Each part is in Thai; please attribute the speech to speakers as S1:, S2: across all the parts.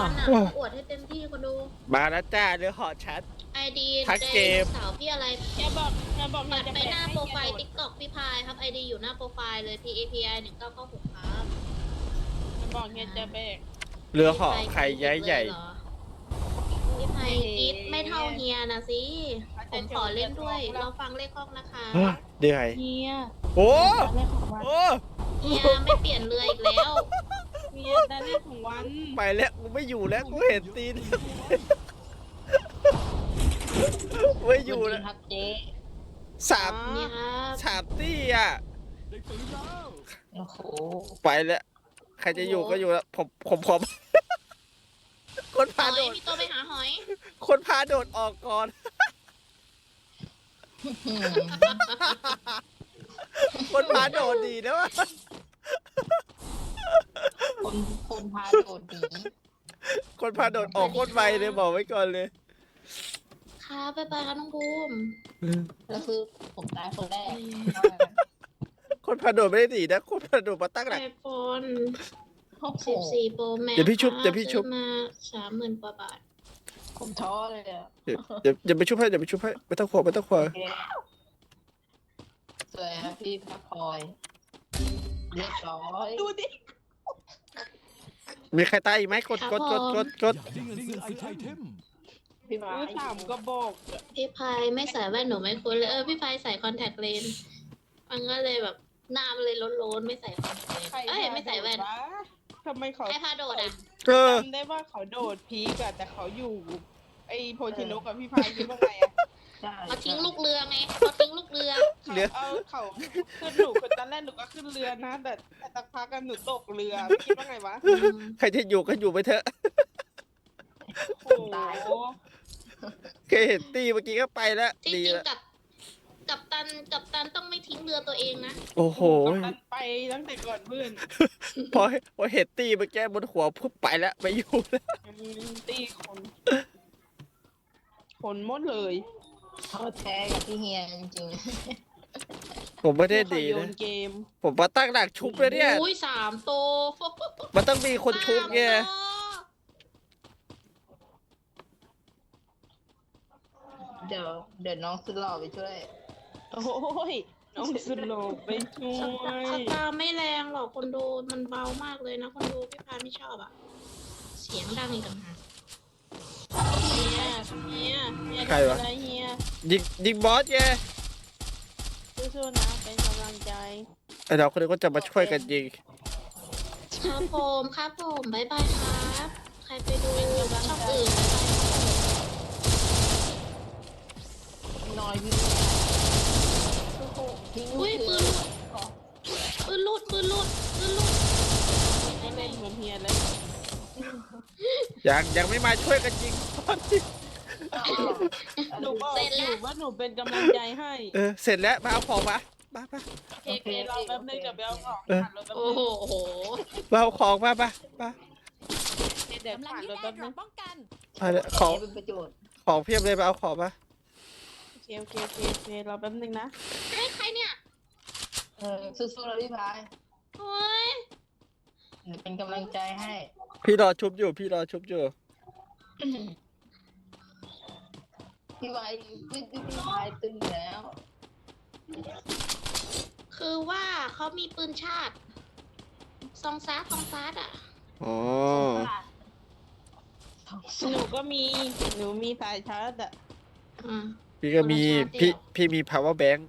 S1: อนอ่ะอวดให้เต็มที่คนดู
S2: มาแล้วจ้าเรือหอชัด
S1: ไอดี
S2: ทักเกม
S1: สาวพี่อะไร
S3: อย่าบอก
S1: ปัดไปหน้าโปรไฟล์ติ๊กต็อกพี่พายครับไอดีอยู่หน้าโปรไฟล์เลย PAPI 1996ครับ
S3: อย่าบอกเฮียจะแบก
S2: เรือหอใครย้ายใหญ่
S1: พี่พายกรีดไม่เท่าเฮียนะสิผมขอเล่นด้วยเราฟังเลขห้องนะคะ
S2: เดือย
S3: เฮีย
S2: โอ้
S3: ได้ของวัน
S2: โอ้
S1: เฮียไม่เปลี่ยนเรืออีกแล้ว
S3: เฮียได้เลขของวัน
S2: ไปแล้วกูไม่อยู่แล้วกูเห็นตีนไม่อยู่แล้ว
S3: ครับเจ๊
S2: สาม
S1: เนี่ยครับ
S2: สามตี้อ่ะ
S3: โอ้โห
S2: ไปแล้วใครจะอยู่ก็อยู่แล้วผมคน
S1: ห
S2: พา
S1: อ
S2: โด
S1: ย
S2: ด
S1: พี่โตไปหาหอย
S2: คนพาโดดออกก่อน คนพาโดดดีนะวะ
S3: คนพาโดดหนี
S2: คนพาโดดออกโคตรไวเลยบอกไว้ก่อนเลย
S1: ครับไปครับน้องภูมิ
S3: แล้วคือผมตายคนแรก
S2: คนพาโดดไม่ได้ดีนะคนพาโดดมาตั้งหลัก
S1: ไอโฟน
S3: โอ้โห
S1: 14 Pro Max
S2: เดี๋ยวพี่ชุบเดี๋ยวพี่ชุบ
S1: ซื้อมา30,000 กว่าบาท
S3: ผมท้อเลยอ่ะ
S2: เดี๋ยวไปชุบให้ไม่ต้องขวง
S3: สวยครับพี่พักคอยเรียบร้อยดูดิ
S2: มีใครตายอีกไหมกด
S4: ได้เงินซื้อไอเทม
S3: พี่มาถามก็บอก
S1: พี่พายไม่ใส่แว่นหนูไม่คุ้นเลยพี่พายใส่คอนแทคเลนส์มันก็เลยแบบหน้ามันเลยโล้นๆไม่ใส่คอนแทคเลนส์เอ้ยไม่ใส่แว่น
S3: ทำไมเขา
S1: ใครพาโดดอ่ะ
S2: เออ
S3: จำได้ว่าเขาโดดพีกอะแต่เขาอยู่ ไอโพชิโนกับพี่พายคิดว่าไงอะ
S1: เขาทิ้งลูกเรือไงเขาทิ้งลูกเรือ
S2: เรือ
S3: เขาขึ้นหนูคือตอนแรกหนูก็ขึ้นเรือนะ แต่สักพักกันหนูตกเรือพี่คิดว่าไงวะ
S2: ใครจะอยู่ก็อยู่ไปเถอะ
S3: โอ้โห
S2: เคยเห็นตีเมื่อกี้ก็ไปแล้ว
S1: ที่
S2: ดี
S1: จริง
S2: แล้ว
S1: กับตันต้องไม่ทิ้งเรือตัวเองนะ
S2: โอ้โห
S3: กัปตันไปตั้งแต่ก่อนเพื่อน
S2: พอเห็นตีเมื่อกี้บนหัวปุ๊บไปแล้วไม่อยู่แล้ว
S3: ตีคนหมดเลย
S5: เขาแท้กับพี่เฮียจริง
S2: ผมไม่ได้ดี
S3: โย
S2: นะ
S3: นเกม
S2: ผมมาตั้งหลักชุบเลยเนี่ย
S1: อุ้ย3 โต
S2: มันต้องมีคนชุบไง
S1: 3 โต
S5: ๆเดี๋ยวน้องสุดหล่อไปช่วย
S3: โอ้ยน้องสโลปไปช่ว
S1: ส
S3: ย
S1: ตาร์ไม่แรงหรอกคนดูมันเบามากเลยนะคนดูพี่พายไม่ชอบอ่ะ เสียงดังอีกต่างหาก
S3: เฮีย
S2: ใครวะ
S3: อะไรเฮีย
S2: ยิงบอสไง
S3: สู้ๆนะเป็นกำลังใจ
S2: ไอ้เราคนนี้ก็จะมาช่วยกันยิง
S1: ครับผมบ๊ายบายครับ ใครไปดูช่องอื่น
S5: น้อยพี่โอ้โหทิ้ง
S1: อุ้ยปืนหลุดปืนหลุด
S3: ไม่เป็นเหมือนเฮียเลย
S2: ยังไม่มาช่วยกันยิงบอสดิ
S3: หนูบอกอยู่ว่าหนูเป็นกำลังใจให้
S2: เสร็จแล้วมาเอาของมา
S3: โอเคเราแป๊บนึงกับเบลของ
S2: เออ
S3: ผ่านรถแป๊บ
S1: โอ้
S3: นึง
S1: โห
S2: มาเอาของมา
S3: เดี๋ยวผ่านรถแป๊บนึง
S2: มาเลยของ
S5: เป็นประโยชน์
S2: ของเพียบเลยมาเอาของมา
S3: โอเคเราแป๊บนึงนะ
S1: เฮ้ยใครเนี่ย
S5: สู้ๆแล้วพี่พาย
S1: โอ้ย
S5: เดี๋ยวเป็นกำลังใจให้
S2: พี่รอชุบอยู่
S5: พี่พายพี่พายตึงแล้ว
S1: คือว่าเขามีปืนชาติซองซาร์อ่ะ
S2: อ๋อ
S3: หนูก็มีหนูมีสายชาร์จอะ
S1: อืม
S2: พี่ก็มี
S1: คนละชาติเดียว
S2: พี่มี power bank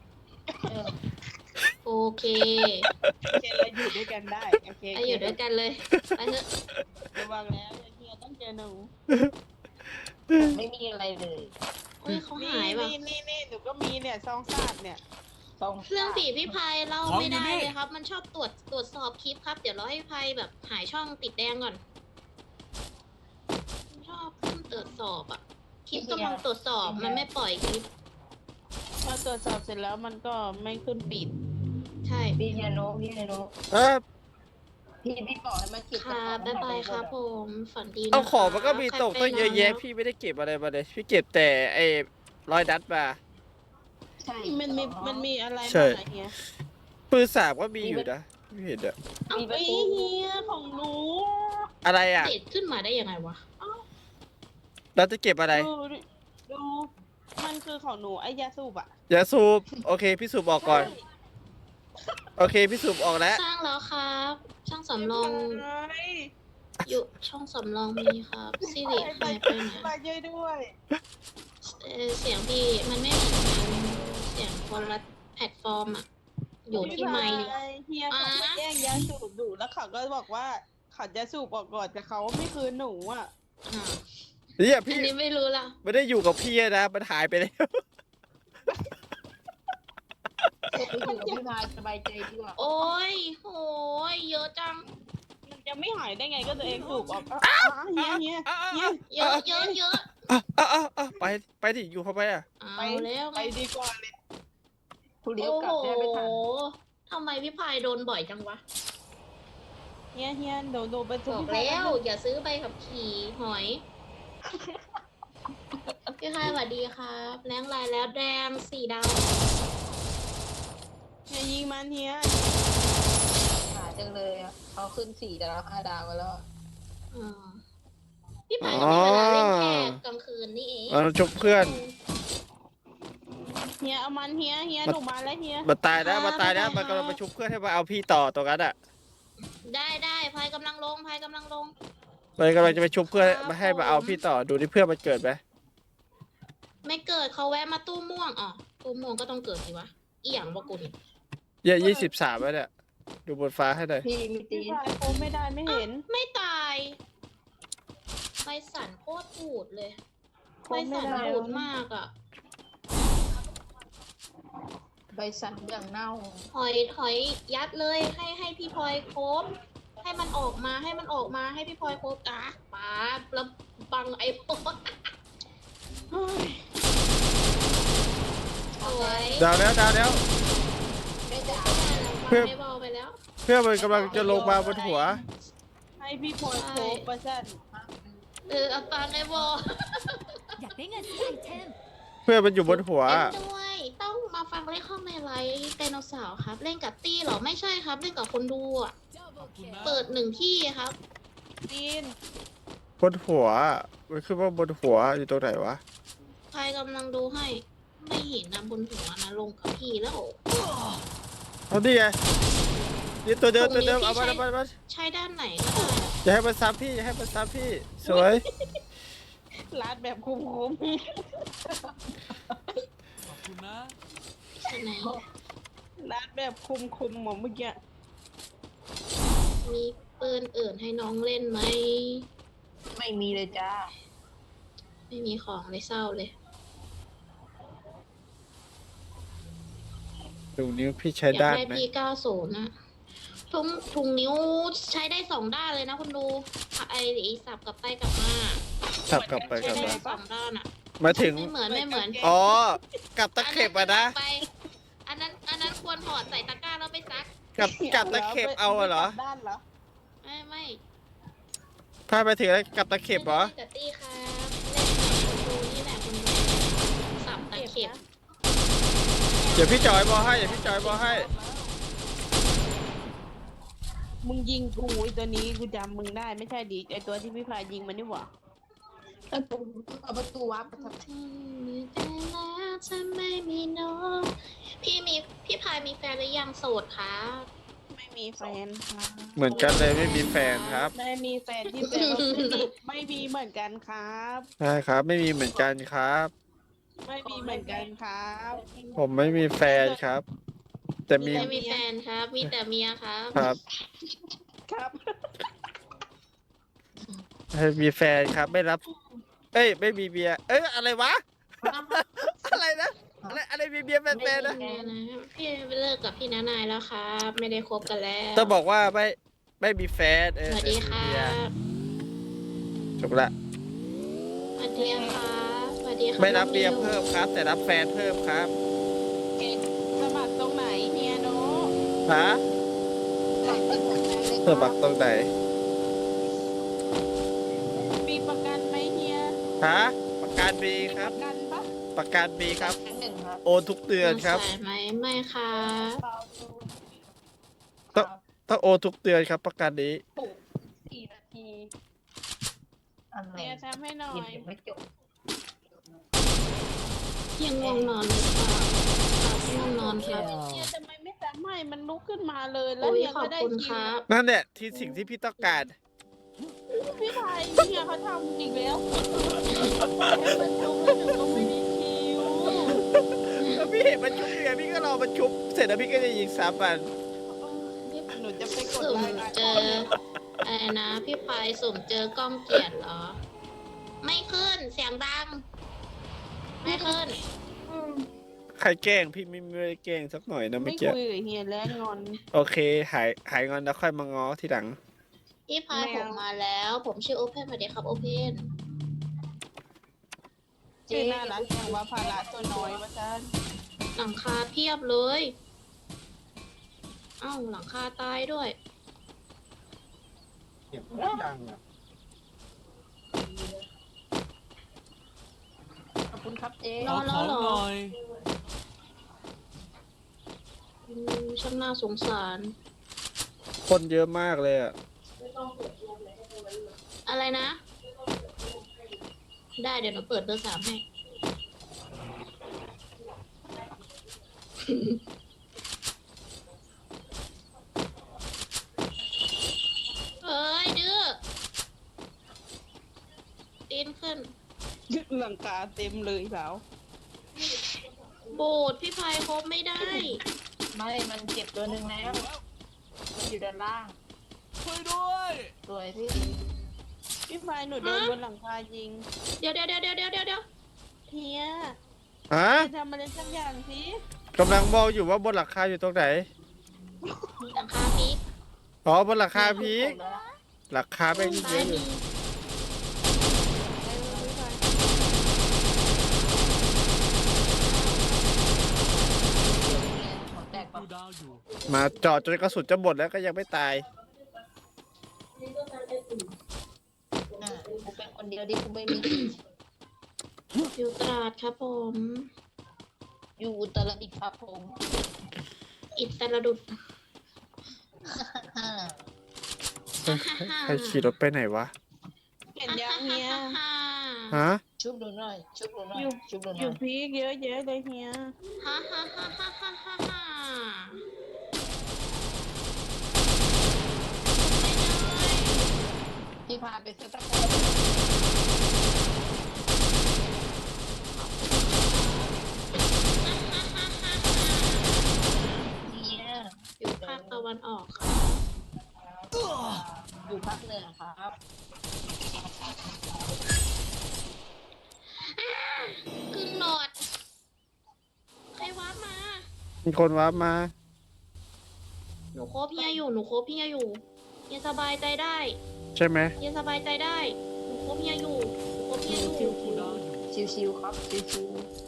S1: โอเค
S3: โอเคเราอยู่ด้วยกันได้โอเค
S1: ไปอยู่ด้วยกันเลยไปเถอะ
S3: ระวังแล้วเฮียต้องเจอหนู
S5: ไม่มีอะไรเลย
S1: เฮ้ยเขาหายว่ะ
S3: นี่หนูก็มีเนี่ยซองซาดเนี่ย
S5: ต้อง
S1: เรื่องผีพี่พายเล่าไม่ได้เลยครับ มันชอบตรวจสอบคลิปครับ เดี๋ยวเราให้พี่พายแบบหายช่องติดแดงก่อนมันชอบขึ้นตรวจสอบอ่ะ คลิปกำลังตรวจสอบมันไม่ปล่อยคลิป
S3: พอตรวจสอบเสร็จแล้วมันก็ไม่ขึ้นปิด
S1: ใช่
S5: พี่เฮียโน
S2: เออ
S5: พี่บอกให้มาเก็บ
S1: ค่ะบ๊ายบายครับผมฝันดีนะ
S2: เอาของมันก็มีตก
S1: ใคร
S2: ตั้ง
S1: ไป
S2: เยอะแยะ
S1: นน
S2: พี่ไม่ได้เก็บอะไรมาเลย พี่เก็บแต่ไอ้รอยดัดมา
S5: ใช่
S3: มันมีอะไร
S2: ใช่
S3: บ้างอะเฮีย
S2: ปืนสามก็มีอยู่นะไม่เห็นอะ
S1: เอา
S3: ไอ้เฮียของหนู
S2: อะไรอ่ะ
S1: เด็ดขึ้นมาได้ยังไงวะ
S2: เราจะเก็บอะไร
S3: ดูมันคือของหนูไอ้ยาสูบอะ
S2: อย่าสูบโอเคพี่สูบออกก่อนโอเคพี่สูบออกแล้ว
S1: สร้างแล้วครับ ช่างสำรอง
S3: ใช่
S1: อยู่ช่องสำรองมีครับสิริหายไปไหน
S3: มาช่วยด้วย
S1: เสียงพี่มันไม่เหมือนกันเสียงคนละแพลตฟอร์มอะอยู่ที่ไมค์
S3: เฮียเขามาแย่งยาสูบดูแล้วเขาก็บอกว่าเขาจะสูบออกก่อนแต่เขาไม่คืนหนูอะ
S1: อ่า
S2: เนี่ย
S1: อั
S2: พี่
S1: นนี้ไม่รู้ละ
S2: ไม่ได้อยู่กับพี่นะมันหายไปแล้ว
S5: อยู่กับพี่พายสบายใจดีกว่า
S1: โอ้ยโหยเยอะจัง
S3: มันจะไม่หายได้ไงก็ตัวเองสูบออกเฮียเฮีย
S1: เยอะเยอะเยอะ
S2: ไปดิอยู่เข้าไปอ่ะ
S1: เอาแล้ว
S3: ไปดีกว่าเลย
S5: ผู้เลี้ยว
S1: โอ้
S5: กลับ
S1: โห
S5: แทบไม่ทัน
S1: ทำไมพี่พายโดนบ่อยจังวะ
S3: เฮียโดนไป
S1: บ
S3: ทุ
S1: อกแล้วอย่าซื้อใบขับขี่หอย พี่พายสวัสดีครับแรงลายแล้วแดง4 ดาว
S3: เฮียยิงมันเฮีย
S5: หาจังเลยอ่ะเขาขึ้น4 ดาว5 ดาวกันแล้ว
S1: อ่าพี่พายก็มีเวลาเล่นแค่กลางคืนนี่เอง
S2: เราชุบเพื่อน
S3: เฮียเอามันเฮียหนูมาแล้วเฮีย
S2: มันตายแล้วมันตายแล้วมันกำลังมาชุบเพื่อนให้มาเอาพี่ต่อตรงนั้นอ่ะ
S1: ได้พายกำลังลงพายกำลังลง
S2: มันกำลังจะไปชุบเพื่อนมาให้มาเอาพี่ต่อดูที่เพื่อนมันเกิดไหม
S1: ไม่เกิดเขาแวะมาตู้ม่วงอ๋อตู้ม่วงก็ต้องเกิดสิวะอีหยังบอกกูนี่
S2: 23แล้วเนี่ยดูบนฟ้าให้หน่อย
S5: พี่มีตี
S3: พี่
S5: น
S3: พายโคไม่ได้ไม่เห็น
S1: ไม่ตายใบสันโคตรปูดเลย
S3: โค
S1: ใบ
S3: ไม่
S1: สัน
S3: ได้
S1: ปูดมากอ่ะ
S5: ใบสั่นอย่างเน่า
S1: หอยยัดเลยให้พี่พลอยครบให้มันออกมาให้พี่พลอยครบอ่ะป้าแล้วบังไอ้โป๊ะสวย
S2: ดาวแล้ว
S5: ไม่ด่า
S2: เพื่อน
S1: ไม่บอลไปแล้ว
S2: เพื่อนมันกำลังจะลงมาบนหัว
S3: ให้พี่พลอยโคประชัน
S1: เอาปังไอ้บอล
S6: อยากได้เงินซื้อไอเทม
S2: เพื่อนมันอยู่บนหัว
S1: เล่นด้วยต้องมาฟังเล่นข้องในไลฟ์ไดโนเสาร์ครับ เล่นกับตี้เหรอไม่ใช่ครับ เล่นกับคนดูอ่ะ เปิด1 ที่ครับ
S3: จีน
S2: บนหัวมันคือว่าบนหัวอยู่ตรงไหนวะ
S1: ใครกำลังดูให้ ไม่เห็นนะบนหัวนะลงกับพี่แล้ว
S2: เอาดิไงนี่ตัวเดิม
S1: ตรงนี้
S2: เอามา
S1: พี่
S2: เอามา
S1: ใช้ด้านไหนก็ได้อะ
S2: อย่าให้มันซ้ำพี่อย่าให้มันซ้ำพี่ สวย
S3: ลาดแบบคุ้ม
S4: ขอบคุณนะ
S1: ใช่ไหน
S3: ลาดแบบคุมหมดเมื่อกี้
S1: มีปืนอื่นให้น้องเล่นไหม
S5: ไม่มีเลยจ้า
S1: ไม่มีของเลยเศร้าเลย
S2: ดูนิ้วพี่ใช้
S1: อยาก
S2: ด้าน
S1: ได้
S2: ไหม
S1: พี่90นะถุงนิ้วใช้ได้2 ด้านเลยนะคุณดูไอ้สับกลับไปกลับมา
S2: สับกลับไป
S1: ใช้
S2: กลับ
S1: ได้
S2: มา
S1: 2 ด้านอ่ะ
S2: มาถึง
S1: ไม่เหมือน
S2: อ๋อ กับตะเข็บอะนะ
S1: ไปอันนั้นควรถอดใส่ตะกร้าแล้วไปซัก
S2: กับตะเข็บเอาอะเหรอ
S3: ด้านเหรอ
S1: ไม่
S2: พาไปถึงแล้วกับตะเข็บเหรอ
S1: ล่นกับตี้ครับเล่นกับคุณดูนี่แหละคุณดูสับตะเข็บ
S2: เดี๋ยวพี่จอยบอให้เดี๋ยวพี่จอยบอให้
S3: มึงยิงกูไอตัวนี้กูจำมึงได้ไม่ใช่ดิไอตัวที่พี่พายยิงมันนี่หว่า
S5: เอาประตูวับประทับ
S1: แต่แล้วจะไม่มีน้องพี่พายมีแฟนหรือยังโสดคะ
S3: ไม่มีแฟนค่ะ
S2: เหมือนกันเลยไม่มีแฟนครับ
S3: ไม่มีแฟนที่แปลว่าไม่มีเหมือนกันครับ
S2: ใช่ครับ ไม่มีเหมือนกันครับ
S3: ไม่มีเหมือนกันครับ
S2: ผมไม่มีแฟนครับ แต่มี
S1: ไม่มีแฟนครับ มีแต่เมียครับ
S2: ครับ
S3: ครับ
S2: ให้มีแฟนครับไม่รับ เอ้ยไม่มีเบียร์เอ้ยอะไรวะ อะไรนะอะไรมีเบียร์แฟนๆนะ
S1: พี่เลิกกับพี่นานายแล้วครับ ไม่ได้คบกันแล้ว
S2: ต้องบอกว่าไม่มีแฟน
S1: สวัสดีครั
S2: เบียร์
S1: บ
S2: จบละ
S1: สวัสดีครับสวัสดีครับ
S2: ไม่รับเบียร์
S1: น้องนิว
S2: เพิ่มครับ แต่รับแฟนเพิ่มครับ
S3: สมัครตรงไหนเฮียโน
S2: ฮะสมัครตรงไหน
S3: มีประกันไหมเฮีย
S2: ฮะประกันมีค
S3: ป
S2: รับ
S3: ระกันปะ
S2: ประกันมีครับ
S5: หนึ่งครับ
S2: โอนทุกเดือนครับ
S1: สายไหมไม่ครับ
S2: ต้องโอนทุกเดือนครับ ประกันนี้
S5: 4 นาทีอะไร
S3: เนี่ยทำให้หน่อ
S5: ยัง
S3: ย
S5: ไม่จบ
S1: ยังง่วงนอนเลยค่ะง่วงนอนครับ
S3: เนี่ยทำไมไม่ทำให้มันลุกขึ้นมาเลยแล้ว
S1: โอ้ย
S3: เนี่ย
S1: ขอ
S3: ก็
S1: บ
S3: ได้
S1: คุณ
S3: คิ
S1: คว รับ
S2: นั่นแหละที่สิ่งที่พี่ต้องการ
S3: พี่ไทยเนี่ยเขาทำอีกแล้วให้มันลุกแล้วหนูก็ไม่ได้คิว
S2: แล้วพี่เห็นมันชุบยังไงพี่ก็รอมันชุบเสร็จแล้วพี่ก็จะยิงซ้ำมัน
S3: หนูจะไปกด
S1: สุ่ม
S3: ไลน์
S1: เจออะไรนะพี่พายสุ่มเจอกล้องเกียรติเหรอ ไม่ขึ้นเสียงดัง ไม่ขึ้น
S2: ใครแกล้งพี่ไม่ได้แกล้งสักหน่อยนะ
S3: ไม่
S2: เมื่อกี้
S3: คุยกับเฮียแล้วงอน
S2: โอเคหายงอนแล้วค่อยมาง้อทีหลัง
S1: พี่พาย
S3: ไม่
S1: ผ
S3: เอา
S1: มมาแล้ว ผมชื่อโอเพนสวัสดีครับโอเพน
S3: ชื่อน่ารักอย่างว่าภาระตัวน้อยว่าท่าน
S1: หลังคาเพียบเลย เอ้าหลังคาตายด้วย
S4: เสียงมันดังอ่ะ
S5: ขอบคุณครับเจ๊
S1: นอนแล้วเหรอ
S4: หน่อย
S1: ช่างน่าสงสาร
S2: คนเยอะมากเลยอ่ะ
S1: อะไรนะ ได้เดี๋ยวหนูเปิดเบอร์ 3ให้ เอ้ยดื้อตีนขึ้น
S3: ยึดหลังคาเต็มเลยแล้ว
S1: โบดพี่พายครบไม่ได้
S5: ไม่มันเก็บตัวหนึ่งแล้วมันอยู่ด้านล่าง
S4: ช่วยด้วย
S5: สวยพี่
S3: พี่พายหนูโดนบนหลังคายิง
S1: เดี๋ยว
S3: เฮีย
S2: ฮะ
S3: จะทำอะไรสักอย่างสิ
S2: กำลังมองอยู่ว่าบนหลังคาอยู่ตรงไหน
S1: หลังคาพีก
S2: อ๋อบนหลังคาพีกหลังคาไม่เย
S1: ซ้าย
S2: อะอ
S1: มี
S2: ยู่
S5: หัวแตกปะ
S4: ดูดาวอยู่
S2: มาจอดจนกระสุนจะหมดแล้วก็ยังไม่ตาย
S5: กูเป็นคนเดียวที่กูไม่มี
S1: อยู่ตราดครับผม
S5: อยู่อุตรดิตถ์ครับผม
S1: อิตรดุด
S2: ใครขี่รถไปไหนวะ
S3: เห็นยังเฮีย
S2: ฮะ
S5: ชุบดูหน่อย ชุบดูหน่อย
S3: อยู่
S5: ชุบดูห
S3: อ
S5: น่
S3: ยู่
S5: อย
S3: พีกเยอะแยะเลยเฮีย
S1: ฮ่าฮ่าฮ่าฮ่าฮ่าฮ่าฮ่า
S5: พี่พาไปซื้อตะโพนเนี่ย
S1: อยู่ภาคตะวันออกค่ะ
S5: อยู่ภาคเหนือครับ
S1: กึ่งหลอด ใครวาร์ปมา
S2: มีคนว้าร์ปมา
S1: หนูโคบเฮียอยู่ หนูโคบเฮียอยู่เฮียสบายใจได้
S2: ใช่ไหม
S1: เฮียสบายใจได้ หนูโคบเฮียอยู่ หนูโคบเฮียอยู่
S4: ดูดาวอยู่
S5: ชิวๆครับ ชิว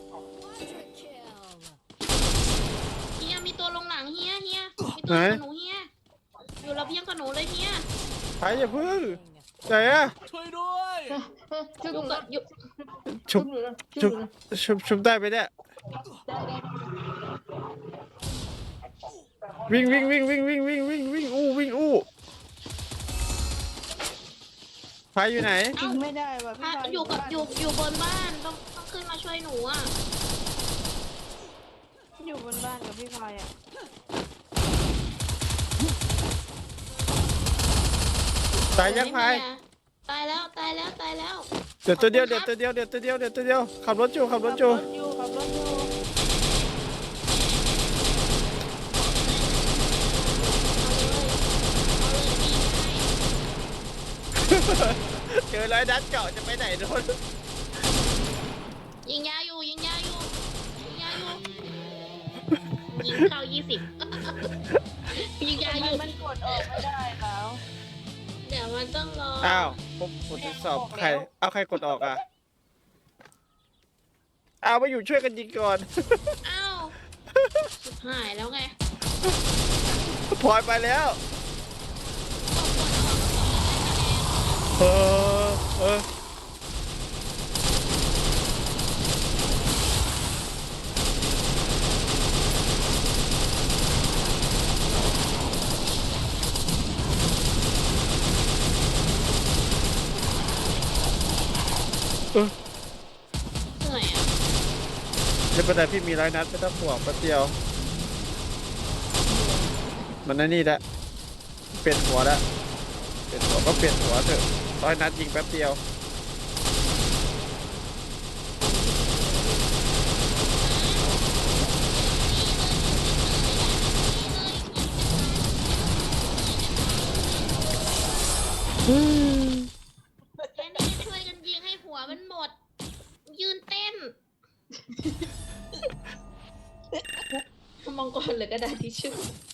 S1: เฮียมีตัวลงหลังเฮียมีตัวลงกับหนูเฮียอยู่ระเบียงกับหนูเลยเฮีย
S2: ไปอย่าพึ่งไหนอะ
S4: ช่วยด้วย
S5: ๆชุบ
S1: อยู่กับอยู่
S2: ชุบ
S5: ดูนะ
S2: ชุบชุบได้ไหมเนี่ย วิ่งอู้ไฟอยู่ไหน
S3: ยิงไม่ได้ว่ะพี่
S1: อ่ะ
S3: พาย
S1: อยู่กับอยู่บนบ้านต้องขึ้นมาช่วยหนูอ่ะ
S3: อยู่บนบ้านกับพี่พายอ่ะ
S2: ตายยังไฟ
S1: ตายแล้วตายแล้วตายแล้ว
S2: เดี๋ยวตัวเดียวขับรถอยู่
S3: ขับรถอยู่
S2: เจอร้อยนัดเจาะจะไปไหนโดน
S1: ยิงยาอยู่ยิงเข้า20 ยิงยาอยู่
S3: มันกดออกไม่ได้แล้ว
S1: เดี๋ยวมันต้องรอ
S2: อ้าวผมทดสอบใครเอาใครกดออกอ่ะเอามาอยู่ช่วยกันยิงก่อน
S1: อ้าวสุดหายแล้วไง
S2: พลอยไปแล้ว เออไม่เป็นไรพี่มี100 นัดไม่ต้องห่วงแป๊บเดียวมันนั่นนี่ละเปลี่ยนหัวละเปลี่ยนหัวก็เปลี่ยนหัวเถอะ100 นัดยิงแป๊บเดียว
S1: แค่นี้ช่วยกันยิงให้หัวมันหมด ยืนเต้นมองก่อนเลยก็ได้ที่ชื่อ